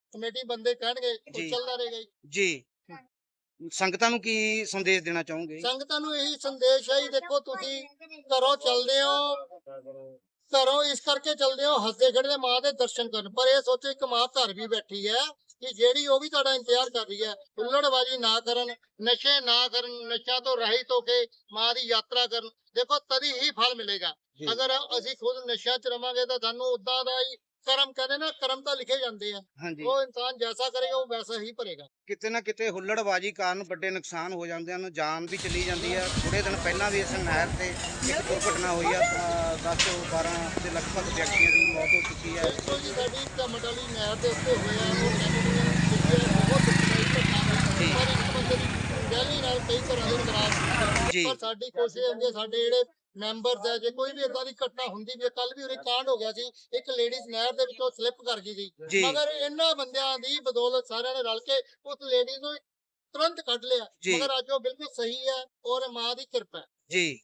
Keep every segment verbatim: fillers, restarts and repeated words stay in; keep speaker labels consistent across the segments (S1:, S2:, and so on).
S1: Committee ਬੰਦੇ ਕਹਿਣਗੇ ਉਹ
S2: ਜੀ।
S1: ਚੱਲਦਾ ਰਹੇਗਾ ਜੀ।
S2: ਜੀ ਸੰਗਤਾਂ ਨੂੰ ਕੀ ਸੰਦੇਸ਼ ਦੇਣਾ ਚਾਹੋਗੇ?
S1: ਸੰਗਤਾਂ ਨੂੰ ਇਹੀ ਸੰਦੇਸ਼ ਹੈ ਜੀ, ਦੇਖੋ ਤੁਸੀਂ ਘਰੋਂ ਚੱਲਦੇ ਹੋ, ਘਰੋਂ ਇਸ ਕਰਕੇ ਚੱਲਦੇ ਹੋ ਹੱਸਦੇ ਖੇਡਦੇ ਮਾਂ ਦੇ ਦਰਸ਼ਨ ਕਰਨ, ਪਰ ਇਹ ਸੋਚੋ ਇੱਕ ਮਾਂ ਘਰ ਵੀ ਬੈਠੀ ਹੈ ਕਿ ਜਿਹੜੀ ਉਹ ਵੀ ਤੁਹਾਡਾ ਇੰਤਜ਼ਾਰ ਕਰ ਰਹੀ ਹੈ। ਹੁੱਲੜਬਾਜ਼ੀ ਨਾ ਕਰਨ, ਨਸ਼ੇ ਨਾ ਕਰਨ, ਨਸ਼ਿਆਂ ਤੋਂ ਰਹਿਤ ਹੋ ਕੇ ਮਾਂ ਦੀ ਯਾਤਰਾ ਕਰਨ। ਦੇਖੋ ਤਦੀ ਹੀ ਫਲ ਮਿਲੇਗਾ।
S2: ਜੀ।
S1: ਅਗਰ ਅਸੀਂ ਖੁਦ ਨਸ਼ਿਆਂ 'ਚ ਰਵਾਂਗੇ ਤਾਂ ਸਾਨੂੰ ਉਦਾਂ ਦਾ ਹੀ ਕਰਮ, ਕਹਿੰਦੇ ਨਾ ਕਰਮ ਤਾਂ ਲਿਖੇ ਜਾਂਦੇ ਆ,
S2: ਹਾਂਜੀ।
S1: ਉਹ ਇਨਸਾਨ ਜੈਸਾ ਕਰੇਗਾ ਉਹ ਵੈਸਾ ਹੀ ਭਰੇਗਾ।
S2: ਕਿਤੇ ਨਾ ਕਿਤੇ ਹੁੱਲੜਬਾਜ਼ੀ ਕਾਰਨ ਵੱਡੇ ਨੁਕਸਾਨ ਹੋ ਜਾਂਦੇ ਹਨ, ਜਾਨ ਵੀ ਚਲੀ ਜਾਂਦੀ ਹੈ। ਥੋੜੇ ਦਿਨ ਪਹਿਲਾਂ ਵੀ ਇਸ ਨਹਿਰ ਤੇ ਇੱਕ ਦੁਰਘਟਨਾ ਹੋਈ ਆ, ਦਸ ਤੋਂ ਬਾਰਾਂ ਦੇ ਲਗਭਗ ਵਿਅਕਤੀਆਂ ਦੀ ਮੌਤ ਹੋ ਚੁੱਕੀ ਹੈ।
S1: ਬਿਲਕੁਲ ਜੀ, ਸਾਡੀ ਝਮਟ ਵਾਲੀ ਨਹਿਰ ਦੇ ਉੱਤੇ ਹੋਇਆ ਉਹ ਬਹੁਤ ਦੁਖਦਾਈ ਘਟਨਾ ਹੋਈ, ਪਰ ਇੱਕ ਬੰਦੇ ਦੀ ਗਹਿਲੀ ਨਾਲ ਕਈ ਤਰ੍ਹਾਂ ਦੇ ਖਰਾਬ।
S2: ਜੀ।
S1: ਪਰ ਸਾਡੀ ਕੋਸ਼ਿਸ਼ ਹੁੰਦੀ ਹੈ, ਸਾਡੇ ਜਿਹੜੇ ਮੈਂਬਰਸ ਹੈ, ਜੇ ਕੋਈ ਵੀ ਏਦਾਂ ਦੀ ਘਟਨਾ ਹੁੰਦੀ ਵੀ, ਕੱਲ ਵੀ ਉਰੇ ਕਾਂਡ ਹੋ ਗਿਆ ਸੀ, ਇੱਕ ਲੇਡੀਜ਼ ਨਹਿਰ ਦੇ ਵਿੱਚੋਂ ਸਲਿੱਪ ਕਰ ਗਈ ਸੀ,
S2: ਜੀ।
S1: ਮਗਰ ਇਹਨਾਂ ਬੰਦਿਆਂ ਦੀ ਬਦੌਲਤ ਸਾਰਿਆਂ ਨੇ ਰਲ ਕੇ ਉਸ ਲੇਡੀਜ਼ ਨੂੰ ਤੁਰੰਤ ਕੱਢ ਲਿਆ,
S2: ਜੀ।
S1: ਮਗਰ ਅੱਜ ਉਹ ਬਿਲਕੁਲ ਸਹੀ ਹੈ ਔਰ ਮਾਂ ਦੀ ਕਿਰਪਾ ਹੈ।
S2: ਜੀ।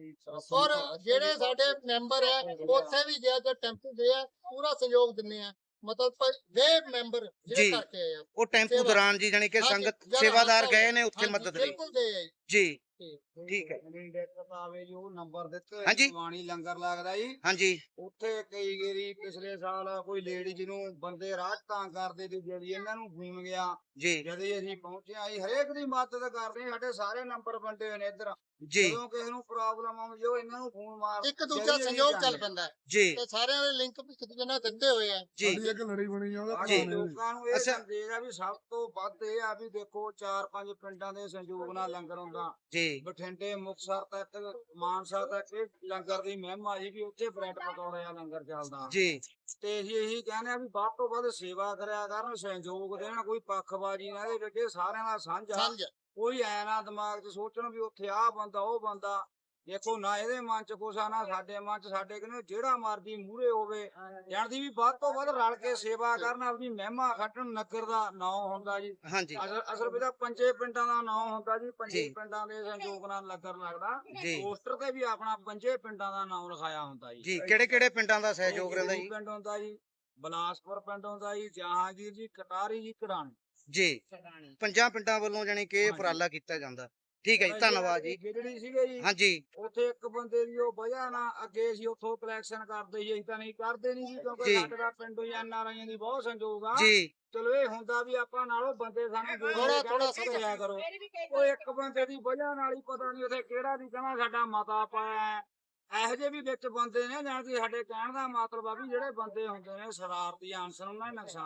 S1: ਔਰ ਜਿਹੜੇ ਸਾਡੇ ਮੈਂਬਰ ਹੈ ਉੱਥੇ ਵੀ ਜੇ ਅੱਜ ਟੈਂਪੂ ਦੇ ਆ ਪੂਰਾ ਸਹਿਯੋਗ ਦਿੰਦੇ ਆ, ਮਤਲਬ ਪਰ ਵੇ ਮੈਂਬਰ
S2: ਜੀ।
S1: ਜਿਹੜੇ ਕਰਕੇ ਆਏ ਆ
S2: ਉਹ ਟੈਂਪੂ
S1: ਸੇਵਾ।
S2: ਦੌਰਾਨ ਜੀ ਜਾਣੀ ਕਿ
S1: ਹਾਂਜੀ,
S2: ਸੰਗਤ
S1: ਜਦੋਂ
S2: ਸੇਵਾਦਾਰ
S1: ਹਾਦਸਾ
S2: ਗਏ ਨੇ ਉੱਥੇ
S1: ਹਾਂਜੀ,
S2: ਮਦਦ ਲਈ।
S1: ਬਿਲਕੁਲ ਦੇ ਆ
S2: ਜੀ।
S1: ਜੀ।
S2: ਠੀਕ ਹੈ।
S3: ਆਵੇ ਜੀ ਉਹ ਨੰਬਰ ਦਿੱਤੇ
S2: ਹਾਂਜੀ।
S3: ਪਾਣੀ ਲੰਗਰ ਲੱਗਦਾ ਜੀ
S2: ਹਾਂਜੀ।
S3: ਉੱਥੇ ਕਈ ਗੇਰੀ ਪਿਛਲੇ ਸਾਲ ਕੋਈ ਲੇਡੀ ਨੂੰ ਬੰਦੇ ਰਾਹ 'ਚ ਤੰਗ ਕਰਦੇ ਤੇ ਜਿਹੜੀ ਇਹਨਾਂ ਨੂੰ ਫੋਨ ਗਿਆ,
S2: ਜੀ।
S3: ਜਦ ਅਸੀਂ ਪਹੁੰਚੇ ਆਈ ਹਰੇਕ ਦੀ ਮਦਦ ਕਰਦੇ ਆ, ਸਾਡੇ ਸਾਰੇ ਨੰਬਰ ਵੰਡੇ ਹੋਏ ਨੇ ਇੱਧਰ।
S2: ਜੀ।
S3: ਜਦੋਂ ਕਿਸੇ ਨੂੰ ਪ੍ਰੋਬਲਮ ਆਉਂਦੀ ਉਹ ਇਹਨਾਂ ਨੂੰ ਫੋਨ ਮਾਰ
S1: ਇੱਕ ਦੂਜਾ
S3: ਜਿਹੜੀ
S1: ਸਹਿਯੋਗ
S3: ਅਸੀਂ
S1: ਚੱਲ ਪੈਂਦਾ ਹੈ
S2: ਜੀ।
S1: ਤੇ ਸਾਰਿਆਂ ਦੇ ਲਿੰਕ ਇੱਕ ਦੂਜੇ ਨਾਲ ਦਿੱਤੇ ਹੋਏ ਆ।
S2: ਜੀ।
S4: ਇੱਕ ਲੜੀ ਬਣੀ ਆ ਉਹਦਾ
S3: ਸਾਡੇ
S2: ਜੀ।
S3: ਲੋਕਾਂ ਨੂੰ ਇਹ
S2: ਅੱਛਾ।
S3: ਸੰਦੇਸ਼ ਆ ਵੀ ਸਭ ਤੋਂ ਵੱਧ ਇਹ ਆ ਵੀ ਦੇਖੋ ਚਾਰ ਪੰਜ ਪਿੰਡਾਂ ਦੇ ਸੰਯੋਗ ਨਾਲ ਲੰਗਰ ਹੁੰਦਾ।
S2: ਜੀ।
S3: ਬਠਿੰਡੇ ਮੁਕਤਸਰ ਤੱਕ ਮਾਨਸਾ ਤੱਕ ਇਹ ਲੰਗਰ ਦੀ ਮਹਿਮਾ ਜੀ ਵੀ ਉੱਥੇ ਬ੍ਰੈਡ ਪਕੌੜੇ ਦਾ ਲੰਗਰ ਚੱਲਦਾ।
S2: ਜੀ।
S3: ਤੇ ਅਸੀਂ ਇਹੀ ਕਹਿੰਦੇ ਆ ਵੀ ਵੱਧ ਤੋਂ ਵੱਧ ਸੇਵਾ ਕਰਿਆ ਕਰਨ, ਸਹਿਯੋਗ ਦੇਣ, ਕੋਈ ਪੱਖਬਾਜ਼ੀ ਨਾ ਇਹਦੇ ਵਿੱਚ, ਇਹ ਸਾਰਿਆਂ ਦਾ ਸਾਂਝਾ।
S1: ਸਮਝ
S3: ਕੋਈ ਐ ਨਾ ਦਿਮਾਗ 'ਚ ਸੋਚਣ ਵੀ ਉੱਥੇ ਆਹ ਬੰਦਾ ਉਹ ਬੰਦਾ, ਦੇਖੋ ਨਾ ਇਹਦੇ ਮਨ 'ਚ ਕੁਛ ਆ ਨਾ ਸਾਡੇ ਮਨ 'ਚ। ਸਾਡੇ ਕਹਿੰਦੇ ਜਿਹੜਾ ਮਰਜ਼ੀ ਮੂਹਰੇ ਹੋਵੇ ਜਾਣਦੀ ਵੀ ਵੱਧ ਤੋਂ ਵੱਧ ਰਲ ਕੇ ਸੇਵਾ ਕਰਨ, ਆਪਣੀ ਮਹਿਮਾ ਖੱਟਣ। ਨਗਰ ਦਾ ਨਾਂ ਹੁੰਦਾ ਜੀ,
S2: ਹਾਂਜੀ।
S3: ਅਸਲ ਅਸਲ ਵਿੱਚ ਤਾਂ ਪੰਜੇ ਪਿੰਡਾਂ ਦਾ ਨਾਂ ਹੁੰਦਾ ਜੀ, ਪੰਜੇ
S2: ਜੀ।
S3: ਪਿੰਡਾਂ ਦੇ ਸੰਯੋਗ ਨਾਲ ਲੰਗਰ ਲੱਗਦਾ।
S2: ਜੀ।
S3: ਪੋਸਟਰ ਤੇ ਵੀ ਆਪਣਾ ਪੰਜੇ ਪਿੰਡਾਂ ਦਾ ਨਾਮ ਲਿਖਾਇਆ ਹੁੰਦਾ ਜੀ।
S2: ਜੀ ਕਿਹੜੇ ਕਿਹੜੇ ਪਿੰਡਾਂ ਦਾ ਸਹਿਯੋਗ ਰਹਿੰਦਾ ਜੀ?
S3: ਪਿੰਡ ਹੁੰਦਾ ਜੀ, ਬਲਾਸਪੁਰ ਪਿੰਡ ਹੁੰਦਾ ਜੀ, ਜਹਾਂਗੀਰ ਜੀ, ਕਟਾਰੀ ਜੀ, ਕਢਾਣੀ।
S2: ਜੀ। ਪੰਜਾਂ ਪਿੰਡਾਂ ਵੱਲੋਂ ਜਾਣੀ ਕਿ ਇਹ ਉਪਰਾਲਾ ਕੀਤਾ ਜਾਂਦਾ। ਠੀਕ ਹੈ ਜੀ, ਧੰਨਵਾਦ ਜੀ।
S3: ਜਿਹੜੀ ਸੀਗੇ ਜੀ
S2: ਹਾਂਜੀ।
S3: ਉੱਥੇ ਇੱਕ ਬੰਦੇ ਦੀ ਉਹ ਵਜ੍ਹਾ ਨਾਲ ਅੱਗੇ ਅਸੀਂ ਉੱਥੋਂ ਕਲੈਕਸ਼ਨ ਕਰਦੇ ਸੀ, ਅਸੀਂ ਤਾਂ ਨਹੀਂ ਕਰਦੇ ਨਹੀਂ ਸੀ ਕਿਉਂਕਿ
S2: ਜੀ।
S3: ਸਾਡੇ ਦਾ ਪਿੰਡੋਂ ਹੀ ਐਨ ਆਰ ਆਈਆਂ ਦੀ ਬਹੁਤ ਸੰਯੋਗ ਆ।
S2: ਜੀ।
S3: ਚਲੋ ਇਹ ਹੁੰਦਾ ਵੀ ਆਪਾਂ ਨਾਲੋਂ ਬੰਦੇ ਸਾਨੂੰ
S1: ਥੋੜ੍ਹਾ- ਥੋੜ੍ਹਾ
S3: ਕਰਿਆ ਕਰੋ। ਉਹ ਇੱਕ ਬੰਦੇ ਦੀ ਵਜ੍ਹਾ ਨਾਲ ਹੀ ਪਤਾ ਨਹੀਂ ਉੱਥੇ ਕਿਹੜਾ ਦੀ ਕਹਿੰਦਾ ਸਾਡਾ ਮਤਾ ਪਾਇਆ। ਇਹੋ ਜਿਹੇ ਵੀ ਵਿੱਚ ਬੰਦੇ ਨੇ ਜਾਣ ਕਿ ਸਾਡੇ ਕਹਿਣ ਦਾ ਮਤਲਬ ਆ ਵੀ ਜਿਹੜੇ ਬੰਦੇ ਹੁੰਦੇ ਨੇ ਸ਼ਰਾਰਤੀ ਅਨਸਰ, ਉਹਨਾਂ ਨੇ ਨੁਕਸਾਨ